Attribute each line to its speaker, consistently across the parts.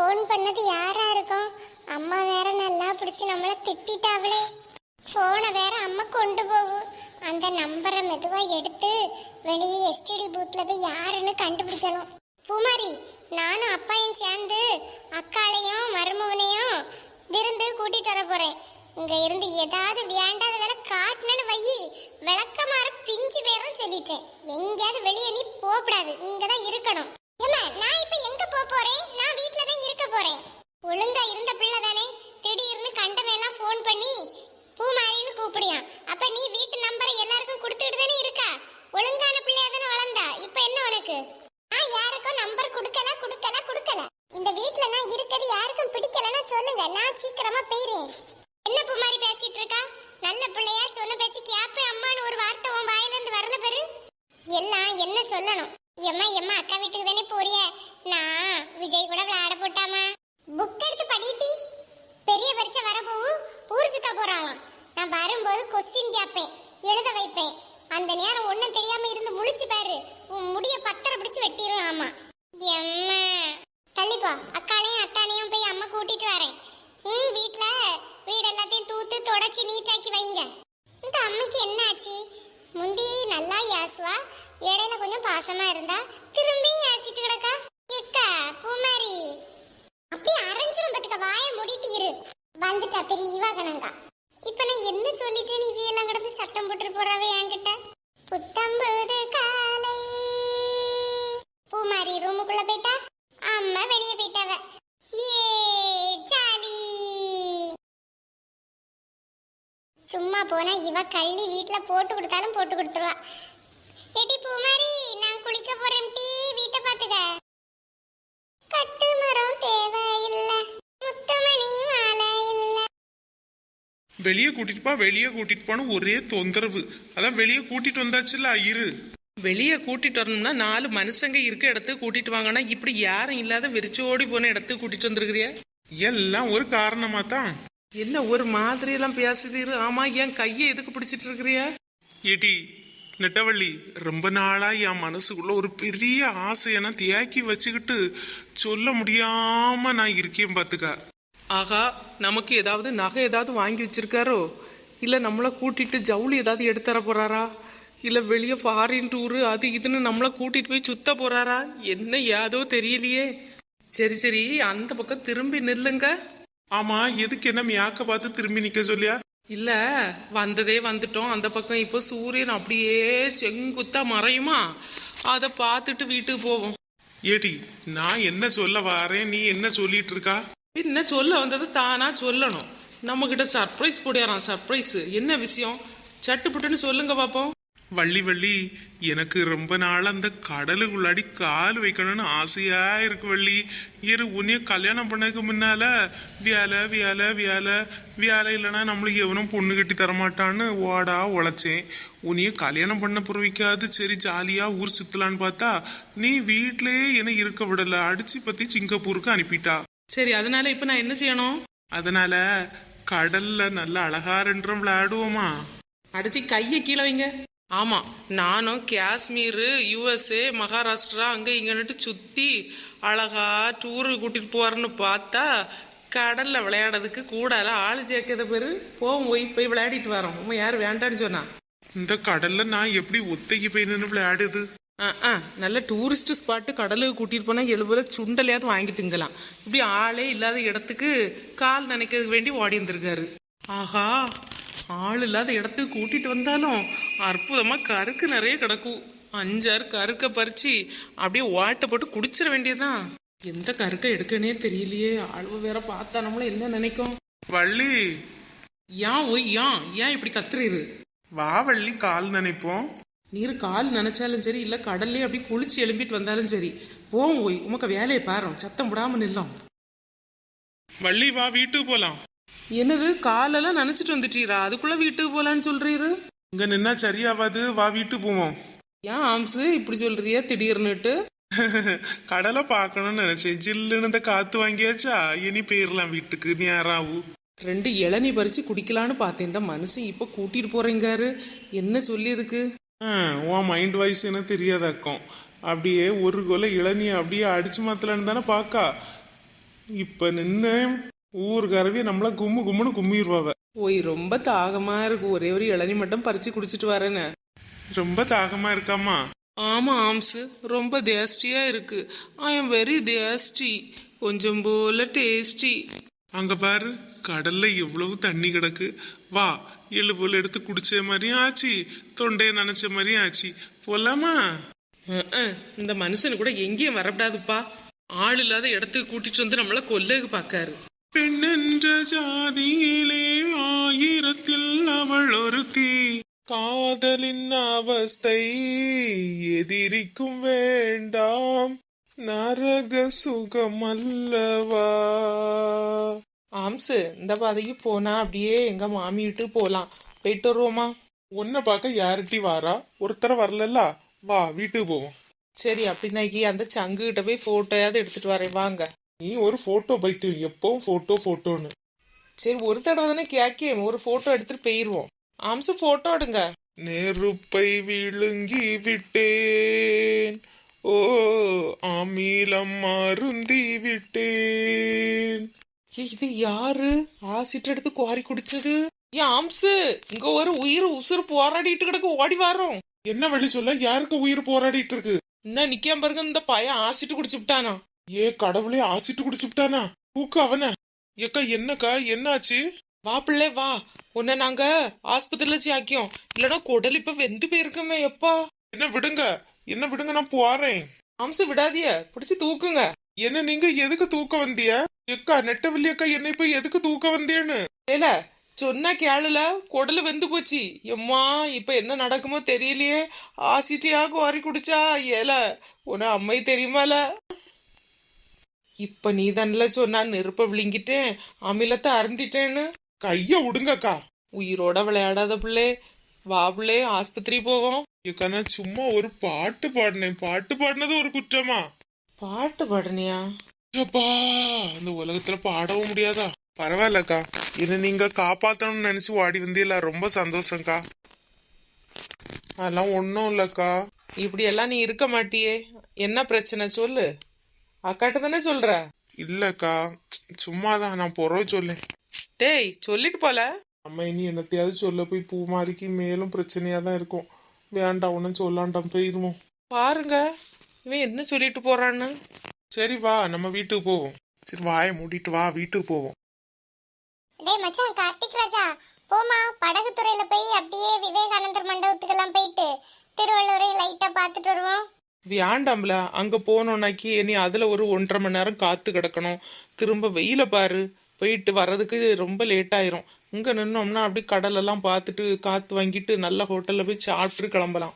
Speaker 1: Phone பண்ணது யாரா இருக்கும்? அம்மா வேற நல்லா பிடிச்சி நம்மள திட்டாவளே. ஃபோனை வேற அம்மா கொண்டு போகும். அந்த நம்பரை மெதுவா எடுத்து வெளியே எஸ்டிடி பூத்ல போய் யாருன்னு கண்டுபிடிக்கணும். பூமாரி, நானும் அப்பாயும் சேர்ந்து அக்காளையும் மருமவனையும் விருந்து கூட்டிட்டு வர போறேன். இங்க இருந்து ஏதாவது வேண்டாத வேலை காட்டுனு வையி, விளக்கமாற பிஞ்சு பேரும் சொல்லிட்டேன். எங்கேயாவது வெளியே நீ போகக்கூடாது, இங்கதான் இருக்கணும். ஏமா, நான் இப்ப எங்க போறேன்? நான் வீட்ல தான் இருக்க போறேன். ஒழுங்கா இருந்த பிள்ளை தானே, திடீர்னு கண்டமெல்லாம் ஃபோன் பண்ணி பூமாரின்னு கூப்பிடியான். அப்ப நீ வீட்டு நம்பரை எல்லாருக்கும் கொடுத்துட்டு தானே இருக்கா? ஒழுங்கான பிள்ளையா தானே வளர்ந்தா. இப்ப என்ன உனக்கு? நான் யாருக்கும் நம்பர் கொடுக்கல. இந்த வீட்ல நான் இருக்கிறது யாருக்கும் பிடிக்கலன்னா சொல்லுங்க, நான் சீக்கிரமா போயிறேன். என்ன பூமாரி பேசிட்டு இருக்கா? நல்ல பிள்ளையா, சொன்ன பேச்சு கேப்பேன் அம்மான்னு ஒரு வார்த்தை உன் வாயில இருந்து வரல பாரு. எல்லாம் என்ன சொல்லணும்? எம்மா அக்கா வீட்டுக்கு தானே போறிய? நான் விஜய் கூட விளையாட போட்டாமா. புக் எடுத்து படிட்டி. பெரிய பரிசை வரப்போவு ஊர் சுத்த போறாளாம். நான் வரும்போது கொஸ்டின் கேட்பேன், எழுத வைப்பேன். அந்த நேரம் ஒன்னும் தெரியாம இருந்து முழிச்சு பாரு, உன் முடிய பத்தரை பிடிச்சு வெட்டிரும். ஆமா எம்மா, தள்ளிப்போ. அக்காளையும் அத்தானையும் போய் அம்மா கூட்டிட்டு வரேன். வீட்டுல வீடு எல்லாத்தையும் தூத்து தொடச்சி நீட்டாக்கி வைங்க. இந்த அம்மைக்கு என்ன ஆச்சு? முந்தி நல்லா யாசுவா, இடையில கொஞ்சம் பாசமா இருந்தா திரும்பி யாசிட்டு கிடக்கா. எக்கா பூமாரி, அப்படியே அரைஞ்சிரும் பத்துக்க. வாய மூடிட்டு இரு. வந்துட்டா பெரிய இவாகனங்கா. இப்ப நான் என்ன சொல்லிட்டேன்? இவையெல்லாம் கிடந்து சத்தம் போட்டு போறாவே என்கிட்ட. புத்தம்பது காலை. பூமாரி ரூமுக்குள்ள போயிட்டா, அம்மா வெளியே போயிட்டாவ. ஏ ஜாலி. சும்மா போனா இவ கள்ளி வீட்டுல போட்டு கொடுத்தாலும் போட்டு கொடுத்துருவா. ஏடி பூமாரி, நான் குளிக்க போறேன் டி, வீட்டை பாத்துக்க. கட்டு மரம் தேவையில்லை, முத்தமணி மாலை இல்ல.
Speaker 2: வெளியே கூட்டிட்டு போன ஒரே தொந்தரவு. அதான் வெளியே கூட்டிட்டு வந்தாச்சுல. இரு.
Speaker 3: வெளியே கூட்டிட்டு வரணும்னா 4 மனுஷங்க இருக்க இடத்துக்கு கூட்டிட்டு வாங்கன்னா, இப்படி யாரும் இல்லாத வெறிச்சோடி போன இடத்துக்கு கூட்டிட்டு வந்திருக்கிறியா?
Speaker 2: எல்லாம் ஒரு காரணமா தான்.
Speaker 3: என்ன ஒரு மாதிரி எல்லாம் பேசுதீரு? ஆமா, என் கையை எதுக்கு பிடிச்சிட்டு இருக்கிறியா?
Speaker 2: ஏடி நெட்டவள்ளி, ரொம்ப நாளா என் மனசுக்குள்ள ஒரு பெரிய ஆசையென தேக்கி வச்சுக்கிட்டு சொல்ல முடியாம நான் இருக்கேன் பாத்துக்க.
Speaker 3: ஆகா, நமக்கு ஏதாவது நகை ஏதாவது வாங்கி வச்சிருக்காரோ? இல்ல நம்மளை கூட்டிட்டு ஜவுளி ஏதாவது எடுத்து தர போறாரா? இல்ல வெளியே ஃபாரின் டூரு அது இதுன்னு நம்மளை கூட்டிட்டு போய் சுத்த போறாரா? என்ன ஏதோ தெரியலையே. சரி, அந்த பக்கம் திரும்பி நில்லுங்க.
Speaker 2: ஆமா, எதுக்கு என்ன மியாக்க பார்த்து திரும்பி நிக்க சொல்லியா?
Speaker 3: இல்ல, வந்ததே வந்துட்டோம். அந்த பக்கம் இப்போ சூரியன் அப்படியே செங்குத்தா மறையுமா, அதை பார்த்துட்டு வீட்டுக்கு போவோம்.
Speaker 2: ஏடி, நான் என்ன சொல்ல வாரேன், நீ என்ன சொல்லிட்டு இருக்கா?
Speaker 3: என்ன சொல்ல வந்தது தானா சொல்லணும். நம்ம கிட்ட சர்ப்ரைஸ் போடுறான். சர்ப்ரைஸ் என்ன விஷயம்? சட்டுப்புட்டுன்னு சொல்லுங்க பாப்போம்.
Speaker 2: வள்ளி, எனக்கு ரொம்ப நாள் அந்த கடலுக்குள்ளாடி கால் வைக்கணும்னு ஆசையா இருக்கு வள்ளி. உன்னைய கல்யாணம் பண்ணதுக்கு முன்னால வேலை இல்லைன்னா நம்மளுக்கு எவனும் பொண்ணு கட்டி தரமாட்டான்னு ஓடா உழைச்சேன். உன்னைய கல்யாணம் பண்ண பிறவிக்காது சரி ஜாலியா ஊர் சுத்தலான்னு பார்த்தா நீ வீட்லயே என்ன இருக்க விடல, அடிச்சு பத்தி சிங்கப்பூருக்கு அனுப்பிட்டா.
Speaker 3: சரி, அதனால இப்ப நான் என்ன செய்யணும்?
Speaker 2: அதனால கடல்ல நல்ல அழகா ரெண்டும் விளையாடுவோமா?
Speaker 3: அடிச்சு கையை கீழே வைங்க. ஆமா, நானும் காஷ்மீர், USA, மகாராஷ்டிரா அங்க இங்கன்னுட்டு சுத்தி அழகா டூரு கூட்டிட்டு போறேன்னு பார்த்தா கடல்ல விளையாடுறதுக்கு கூடால ஆளு சேர்க்கத பேரு. போய் விளையாடிட்டு வரோம். யாரு வேண்டான்னு சொன்னா?
Speaker 2: இந்த கடல்ல நான் எப்படி ஒத்தைக்கு போய் நின்று விளையாடுது?
Speaker 3: நல்ல டூரிஸ்ட் ஸ்பாட்டு கடலுக்கு கூட்டிட்டு போனா 70 சுண்டலையாவது வாங்கி திங்கலாம். இப்படி ஆளே இல்லாத இடத்துக்கு கால் நினைக்கிறதுக்கு வேண்டி ஓடி வந்திருக்காரு. ஆஹா, ஆள் இல்லாத இடத்துக்கு கூட்டிட்டு வந்தாலும் அற்புதமா கருக்கு நிறைய கிடக்கும். 5-6 கருக்க பறிச்சு அப்படியே ஓட்ட போட்டு குடிச்சிட வேண்டியதுதான். எந்த கருக்க எடுக்கனே தெரியலையே. ஆளுவ வேற பார்த்தா நம்மள என்ன நினைக்கும்?
Speaker 2: வள்ளி,
Speaker 3: ஏன் இப்படி கத்துறீரு?
Speaker 2: வா வள்ளி, கால் நினைப்போம்.
Speaker 3: நீர் கால் நினைச்சாலும் சரி, இல்ல கடல்லே அப்படி குளிச்சு எழும்பிட்டு வந்தாலும் சரி, போவோம். உமக்கு வேலையை பாரு, சத்தம் விடாம நில்லாம்.
Speaker 2: வள்ளி வா, வீட்டுக்கு போலாம்.
Speaker 3: என்னது, காலெல்லாம் நினைச்சிட்டு வந்துட்டீரா? அதுக்குள்ள வீட்டுக்கு போலான்னு சொல்றீரு?
Speaker 2: இங்க நின்னா சரியாவாது, வா வீட்டுக்கு போவோம்.
Speaker 3: ஏன் ஆம்சு இப்படி சொல்றியா திடீர்னுட்டு?
Speaker 2: கடலை பார்க்கணும்னு நினைச்சேன். ஜில்லுன்னு இந்த காத்து வாங்கியாச்சா, இனி போயிடலாம் வீட்டுக்கு. நேராவு
Speaker 3: 2 இளநீ பறிச்சு குடிக்கலான்னு பார்த்தேன். இந்த மனுஷன் இப்ப கூட்டிட்டு போறீங்காரு. என்ன சொல்லியதுக்கு?
Speaker 2: உன் மைண்ட் வாய்ஸ் என்ன தெரியாதாக்கும். அப்படியே ஒரு கொலை இளநியை அப்படியே அடிச்சு மாத்தலன்னு தானே பாக்கா. இப்ப நின்று ஊருக்காரவே நம்மள கும்மு கும்முன்னு கும்மிடுவாவ.
Speaker 3: ஓய் ரொம்ப தாகமா இருக்கு, ஒரே ஒரு இளநி மட்டும் பறிச்சு குடிச்சிட்டு வரேன்னு.
Speaker 2: ரொம்ப தாகமா இருக்காமா?
Speaker 3: ஆமா ஆம்ஸ், ரொம்ப டேஸ்டியா இருக்கு. ஐ எம் வெரி டேஸ்டி, கொஞ்சம் போல டேஸ்டி.
Speaker 2: அங்க பாரு, கடல்ல எவ்வளவு தண்ணி கிடக்கு. வா, எள்ளு போல எடுத்து குடிச்ச மாதிரியும் ஆச்சு, தொண்டைய நனைச்ச மாதிரியும் ஆச்சு. போலாமா?
Speaker 3: இந்த மனுஷனு கூட எங்கேயும் வரப்படாதுப்பா. ஆள் இல்லாத இடத்துக்கு கூட்டிட்டு வந்து நம்மள கொல்லுக்கு பாக்காரு.
Speaker 2: பெண்ணென்ற ஜாதியிலே ஆயிரத்தில் அவள் ஒருத்தி, காதலின் அவஸ்தை எதிரிக்கும் வேண்டாம், நரக சுகம் அல்லவா.
Speaker 3: ஆம்ஸ், இந்த பாதைக்கு போனா அப்படியே எங்க மாமி வீட்டு போலாம். போயிட்டு வருவோமா?
Speaker 2: உன்னை பார்க்க யார்ட்டி வாரா? ஒருத்தர வரல. வா, வீட்டுக்கு போவோம்.
Speaker 3: சரி, அப்படின்னாக்கி அந்த சங்கு கிட்ட போய் போட்டோயாவது எடுத்துட்டு வரேன், வாங்க.
Speaker 2: நீ ஒரு போட்டோ பைத்தியம், எப்பவும் போட்டோ போட்டோன்னு.
Speaker 3: சரி, ஒரு தடவை தானே கேக்கேன், ஒரு போட்டோ எடுத்துட்டு போயிருவோம். ஆம்ஸ், போட்டோ எடுங்க.
Speaker 2: நெருப்பை விழுங்கி விட்டேன், ஓ அமிலம் அருந்தி விட்டேன்.
Speaker 3: இது யாரு ஆசிட் எடுத்து குவாரி குடிச்சது? ஏன் ஆம்ஸ், இங்க ஒரு உயிர் உசுறு போராடிட்டு கிடக்கு, ஓடி வரோம்.
Speaker 2: என்ன வழி சொல்ல? யாருக்கு உயிர் போராடிட்டு இருக்கு?
Speaker 3: இன்னும் நிக்காம பாருங்க, இந்த பையன் ஆசிட் குடிச்சு விட்டானா.
Speaker 2: ஏ கடவுளே, ஆசிட்டு குடிச்சுட்டானா? தூக்கு அவன. ஏக்கா, என்னக்கா, என்னாச்சு?
Speaker 3: வா பிள்ளை வா, உன்னை நாங்க ஆஸ்பத்திரியில சாக்கியோம். இல்லனா குடல் இப்ப வெந்து போயிருக்குமே. எப்பா
Speaker 2: என்ன விடுங்க, என்ன விடுங்க, நான் போறேன்.
Speaker 3: ஆம்ஸ், விடாதிய, பிடிச்சு தூக்குங்க.
Speaker 2: என்ன நீங்க எதுக்கு தூக்க வந்திய? எக்கா நெட்டவள்ளி அக்கா, என்ன இப்ப எதுக்கு தூக்க வந்தியன்னு?
Speaker 3: ஏல சொன்னா கேளுல, குடல் வெந்து போச்சு. எம்மா, இப்ப என்ன நடக்குமோ தெரியலையே. ஆசிட்டியா குவாரி குடிச்சா. ஏல உன அம்மை தெரியுமால? இப்ப நீ தானல சொன்னா நெருப்ப விழுங்கிட்டேன், அமிலத்தை அருந்திட்டேன்னு.
Speaker 2: கைய விடுங்கக்கா.
Speaker 3: உயிரோட விளையாடாத பிள்ளை, வா பிள்ளை ஆஸ்பத்திரி போவோம்.
Speaker 2: ஏக்கா, நான் சும்மா ஒரு பாட்டு பாடினேன். பாட்டு பாடினது ஒரு குற்றமா?
Speaker 3: பாட்டு பாடுனியா?
Speaker 2: அப்பா, இந்த உலகத்துல பாடவும் முடியாதா? பரவாயில்லக்கா, என்ன நீங்க காப்பாத்தணும்னு நினைச்சு ஓடி வந்தீங்களா, ரொம்ப சந்தோஷம்க்கா. அதெல்லாம் ஒன்னும் இல்லக்கா.
Speaker 3: இப்படி எல்லாம் நீ இருக்க மாட்டியே, என்ன பிரச்சனை சொல்லு. அக்காட்ட தானே சொல்ற?
Speaker 2: இல்லக்கா, சும்மாதான், நான் பொறவை சொல்லேன்.
Speaker 3: டேய், சொல்லிட்டு போல.
Speaker 2: அம்மா, இனி என்னத்தையாவது சொல்ல போய் பூமாரிக்கு மேலும் பிரச்சனையா தான் இருக்கும். வேண்டாம், ஒன்னும் சொல்லாண்டாம், போயிருவோம்.
Speaker 3: பாருங்க இவன் என்ன சொல்லிட்டு போறான்னு.
Speaker 2: சரி வா, நம்ம வீட்டுக்கு போவோம். சரி, வாயை மூடிட்டு வா, வீட்டுக்கு போவோம்.
Speaker 1: டேய் மச்சான், கார்த்திக் ராஜா, போமா படகு துறையில போய் அப்படியே விவேகானந்தர் மண்டபத்துக்கெல்லாம் போயிட்டு திருவள்ளுவரை லைட்டா பாத்துட்டு வருவோம்.
Speaker 3: வேண்டாம்ல, அங்க போனோம்னாக்கி நீ அதுல ஒரு 1.5 மணி நேரம் காத்து கிடக்கணும். திரும்ப வெயில பாரு, போயிட்டு வர்றதுக்கு ரொம்ப லேட் ஆயிரும். இங்க நின்னோம்னா அப்படி கடல் எல்லாம் பார்த்துட்டு காத்து வாங்கிட்டு நல்ல ஹோட்டல்ல போய் சாப்பிட்டு கிளம்பலாம்.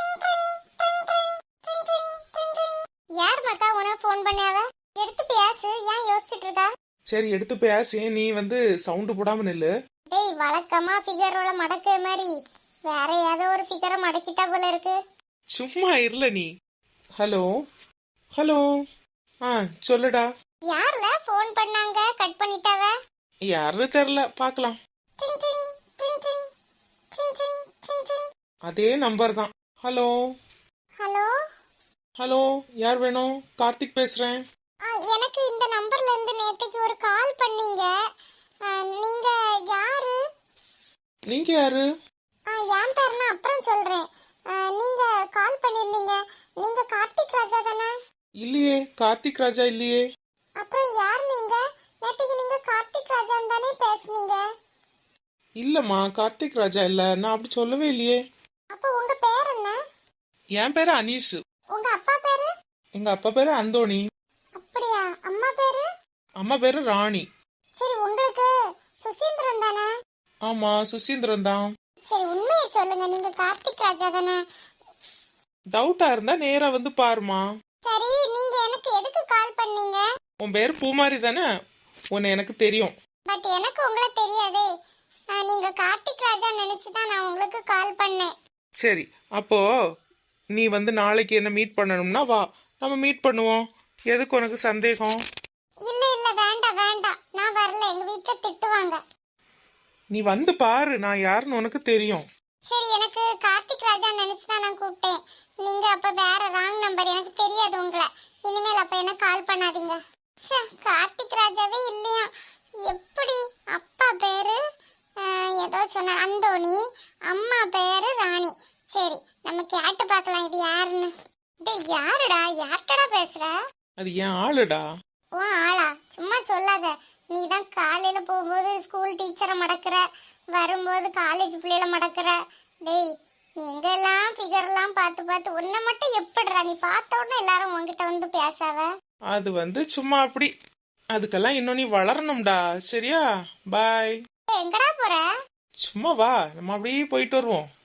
Speaker 1: யார் மக்கா உனக்கு ஃபோன் பண்ணாவ? எடுத்து பேசு, ஏன் யோசிச்சுட்டு இருக்கா?
Speaker 3: சரி, எடுத்து பேசி, நீ சவுண்டு போடாம நில்லு.
Speaker 1: டேய், வழக்கமா ஃபிகரோட மடக்க மாதிரி வேற ஏதோ ஒரு ஃபிகரை மடக்கிட்டா போல இருக்கு.
Speaker 3: சும்மா இருல நீ. ஹலோ ஹலோ, சொல்லுடா.
Speaker 1: யார்ல ஃபோன் பண்ணாங்க, கட் பண்ணிட்டாவ?
Speaker 3: யாரு தெரியல, பாக்கலாம்.
Speaker 1: டிங் டிங் டிங் டிங் டிங் டிங் டிங் டிங்.
Speaker 3: அதே நம்பர் தான். ஹலோ
Speaker 1: ஹலோ
Speaker 3: ஹலோ, யார் வேணும்? கார்த்திக் பேசுறேன்.
Speaker 1: எனக்கு இந்த நம்பர்ல இருந்து நேத்துக்கு ஒரு கால் பண்ணீங்க. நீங்க யாரு?
Speaker 3: நீங்க யாரு?
Speaker 1: என் பேர் நான் அப்புறம் சொல்றேன். நீங்க கால் பண்ணிருந்தீங்க. நீங்க கார்த்திக் ராஜா தானே?
Speaker 3: இல்லையே, கார்த்திக் ராஜா இல்லையே.
Speaker 1: அப்புறம் யார் நீங்க? நேத்துக்கு நீங்க கார்த்திக் ராஜான்னு தானே பேசுனீங்க.
Speaker 3: இல்லம்மா, கார்த்திக் ராஜா இல்ல, நான் அப்படி சொல்லவே இல்லையே.
Speaker 1: அப்ப உங்க பேர் என்ன?
Speaker 3: என் பேரு அனீஷ்.
Speaker 1: உங்க அப்பா பேரு?
Speaker 3: எங்க அப்பா பேரு அந்தோணி.
Speaker 1: அப்படியா? அம்மா பேரு?
Speaker 3: அம்மா பேரு ராணி.
Speaker 1: சரி, உங்களுக்கு சுசீந்திரன் தானே?
Speaker 3: ஆமா, சுசீந்திரன் தான்.
Speaker 1: சரி, உண்மையை சொல்லுங்க, நீங்க கார்த்திக் ராஜா தானே?
Speaker 3: டவுட்டா இருந்தா நேரா வந்து பாருமா.
Speaker 1: சரி, நீங்க எனக்கு எதுக்கு கால் பண்ணீங்க?
Speaker 3: உன் பேரு பூமாரி தானே? உன்னை எனக்கு தெரியும்.
Speaker 1: பட் எனக்கு உங்களை தெரியாதே. நீங்க கார்த்திக் ராஜா நினைச்சுதான் நான் உங்களுக்கு கால் பண்ணேன்.
Speaker 3: சரி, அப்போ நீ நாளைக்கு என்ன மீட் பண்ணணும்னா வா, நம்ம மீட் பண்ணுவோம். எதுக்கு உனக்கு சந்தேகம்?
Speaker 1: இல்ல இல்ல, வேண்டாம் வேண்டாம், நான் வரல, எங்க வீட்டுல திட்டுவாங்க.
Speaker 3: நீ வந்து பாரு, நான் யாருன்னு உனக்கு தெரியும்.
Speaker 1: சரி, எனக்கு கார்த்திக் ராஜா நினைச்சுதான் நான் கூப்பிட்டேன். நீங்க அப்ப வேற ராங் நம்பர், எனக்கு தெரியாது உங்களை. இனிமேல் அப்ப என்ன கால் பண்ணாதீங்க. ச்சே, கார்த்திக் ராஜாவே இல்லையா? எப்படி? அப்பா பேரு ஏதோ சொன்ன அந்தோணி, அம்மா பேரு ராணி. சரி, நம்ம கேட்டு பார்க்கலாம் இது யாருன்னு. டேய் யாருடா? யார்கிட்டடா பேசுற?
Speaker 3: அது ஏன் ஆளுடா.
Speaker 1: ஓ ஆளா? சும்மா சொல்லாத. நீ தான் காலையில போகும்போது ஸ்கூல் டீச்சரை மடக்குற, வரும்போது காலேஜ் பிள்ளைகளை மடக்குற. டேய் நீ எங்கெல்லாம் ஃபிகர்லாம் பார்த்து பார்த்து உன்னை மட்டும் எப்படிடா நீ பார்த்த உடனே எல்லாரும் உன்கிட்ட வந்து பேசாவ?
Speaker 3: அது சும்மா அப்படி. அதுக்கெல்லாம் இன்னும் நீ வளரணும்டா. சரியா? பாய்.
Speaker 1: எங்கடா போற?
Speaker 3: சும்மா வா, நம்ம அப்படியே போயிட்டு வருவோம்.